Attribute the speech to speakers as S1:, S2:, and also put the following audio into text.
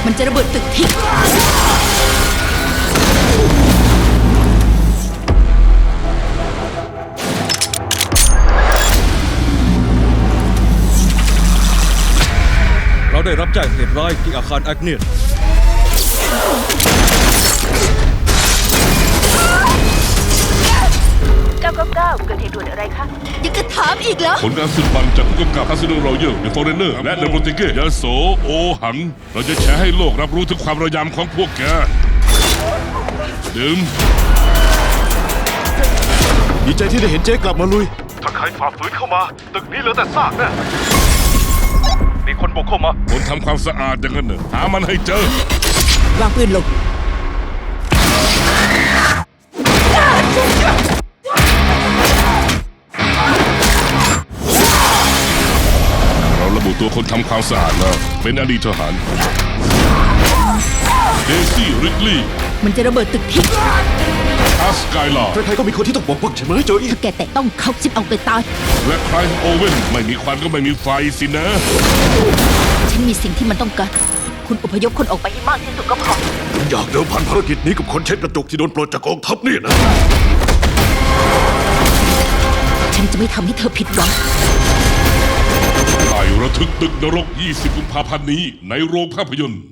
S1: มันจะระเบิดตึกทิ้ง
S2: เราได้รับแจ้งเหตุร้ายที่อาคารแอคเนียส
S3: 999 เกิดเหตุด่วนอะไรคะ
S1: ยังจะถามอีกเหรอ
S4: ผลการสืบมันจากผู้กำกับคาสิโนรอยัลเดอะฟอเรนเนอร์และเดอะโปรติเกยาโสโอหัง เราจะแชร์ให้โลกรับรู้ถึงความระยำของพวกแกดื่ม
S5: ดีใจที่ได้เห็นเจ๊กลับมาลุย
S6: ถ้าใครฝ่าฝืนเข้ามา ตึกนี้เหลือแต่ซากแน่มีคนบุกเข้ามา
S4: คนทำความสะอาดอย่างนั้นเนอะหามันให้เจอ
S1: วางปืนลง
S4: เราระบุตัวคนทำความสะอาดแล้วเป็นอดีตทหารเดซี่ริกลีย์
S1: มันจะระเบิดตึกทิ้ง
S4: อาสกายลา
S5: ใครๆก็มีคนที่ต้องปกป้องใช่ไหมโจอี้
S1: ถ้าแกแตะต้องเขาจิบเอาไปตาย
S4: และไคลฟ์โอเว่นไม่มีควันก็ไม่มีไฟสินะ
S1: ฉันมีสิ่งที่มันต้องการ คุณอพยพคนออกไปให้มากที่สุดก็พอ
S5: อยากเดิมพันภารกิจนี้กับคนเช็ดกระจกที่โดนปลดจากกองทัพนี่นะ
S1: ฉันจะไม่ทำให้เธอผิดหวัง
S4: ไต่ระทึกตึกนรก 20 กุมภาพันธ์นี้ในโรงภาพยนตร์